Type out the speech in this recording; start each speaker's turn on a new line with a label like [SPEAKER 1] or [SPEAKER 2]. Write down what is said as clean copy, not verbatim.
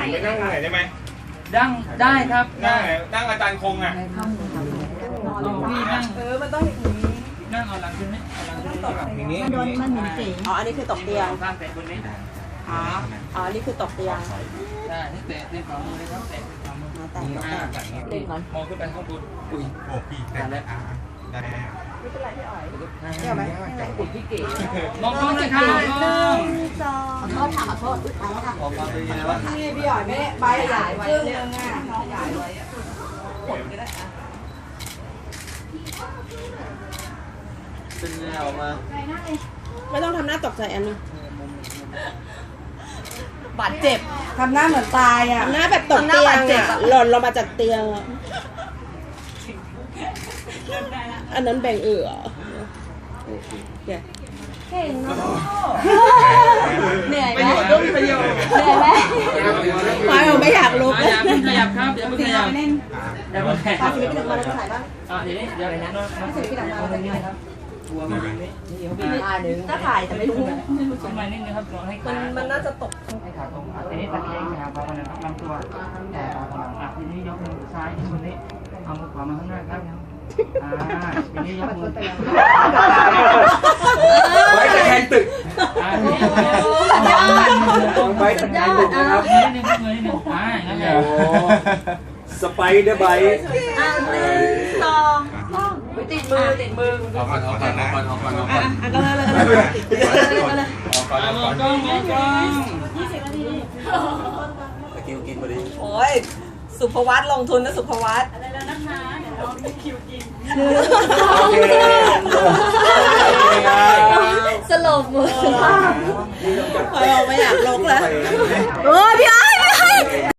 [SPEAKER 1] ผมไปนั่งไหนได้ไหม
[SPEAKER 2] ดั้งได้ครับ
[SPEAKER 1] นั่งอาจารย์คงอ่ะ
[SPEAKER 2] พี่นั่ง
[SPEAKER 3] มันต้องอย่างนี้
[SPEAKER 2] นั่งเอาหลังขึ้นไหมเอาหลังขึ้นแบบ
[SPEAKER 1] อย่างนี้
[SPEAKER 4] โดนมันหมุนเก๋
[SPEAKER 3] อ๋ออันนี้คือตกเตียง
[SPEAKER 2] ข้างแตะบนนี้
[SPEAKER 3] อ๋ออันนี้คือตกเตียง
[SPEAKER 2] ใช่นี่แตะเล่นฝ่ามือเลยครับแตะฝ่ามือ
[SPEAKER 3] แต่เล่นก่อน
[SPEAKER 2] มองขึ้นไปข้างบนอุ้ย
[SPEAKER 1] โอ้พี่ได้แล้วได้แล้ว
[SPEAKER 3] ไม่เป็นไรพี่อ๋อยเดี๋ยวไหม
[SPEAKER 2] ติดพี่เก๋มองกล้องเลยครับมองกล้อง
[SPEAKER 4] ขอโทษค่ะขอโทษอุ๊ยตายแล้วค่ะ
[SPEAKER 2] ขอความเป็นยังไงบ้าง
[SPEAKER 3] นี่พี่อ๋อยไม่ใบใหญ่ครึ่งนึงอ่ะน้องใหญ่ไว้อ่ะ
[SPEAKER 2] เป็นไงออกมา
[SPEAKER 3] ไม่ต้องทำหน้าตกใจอันนึงบาดเจ็บ
[SPEAKER 4] ทำหน้าเหมือนตายอ่ะ
[SPEAKER 3] ทำหน้าแบบตกเตียงอ่ะหล่นลงมาจากเตียงอ่ะอันนั้นแบ่งเอ๋อโอเค
[SPEAKER 4] เก่งเนาะเหนื่อยไหม
[SPEAKER 2] ประโยชน์
[SPEAKER 4] เหนื่อยไหม
[SPEAKER 3] หมายบอกไม่อยากลุก
[SPEAKER 2] อย่าเพิ่งขยับครับอย่าเพิ่งขยับอย่าเพิ่งขยับ
[SPEAKER 4] พาชีวิตพี่หนึ่งมาแล้วจะถ่ายบ้าง
[SPEAKER 2] เดี๋ยวนี้เดี๋ยวนะตัวมันนี่นี่เขาเป็น
[SPEAKER 4] ก็ถ่ายแต่ไม่รู้
[SPEAKER 2] ทำไมนิดนึงครับลองให้ขา
[SPEAKER 3] มันน่าจะตก
[SPEAKER 2] ให้ขาตรงทีนี้ตะแคงขาพอกันนะครับลำตัวแต่พอหลังทีนี้ยกมือซ้ายที่มือนี้เอามือขวามาข้างหน้าครับทีนี้ยกมือ
[SPEAKER 1] ไว้ตะแคงตึก
[SPEAKER 2] ทีนี้
[SPEAKER 1] ไว้ตะแคงตึกนะครับ
[SPEAKER 2] นิดนึงมือนิดนึงงั้นเลย
[SPEAKER 1] สไปเดอร์ไบต์
[SPEAKER 4] สองติดมือ
[SPEAKER 1] เอาก่อนนะเอาก่อน
[SPEAKER 3] ก็เลย
[SPEAKER 2] มองกล้องมองกล้อง
[SPEAKER 1] ตะคิวกินพอดี
[SPEAKER 3] โอ้ยสุภวัตลงทุนนะสุภวัต
[SPEAKER 4] สลบมือ
[SPEAKER 3] ไม่อยากลุกแล้วโอ้ยพี่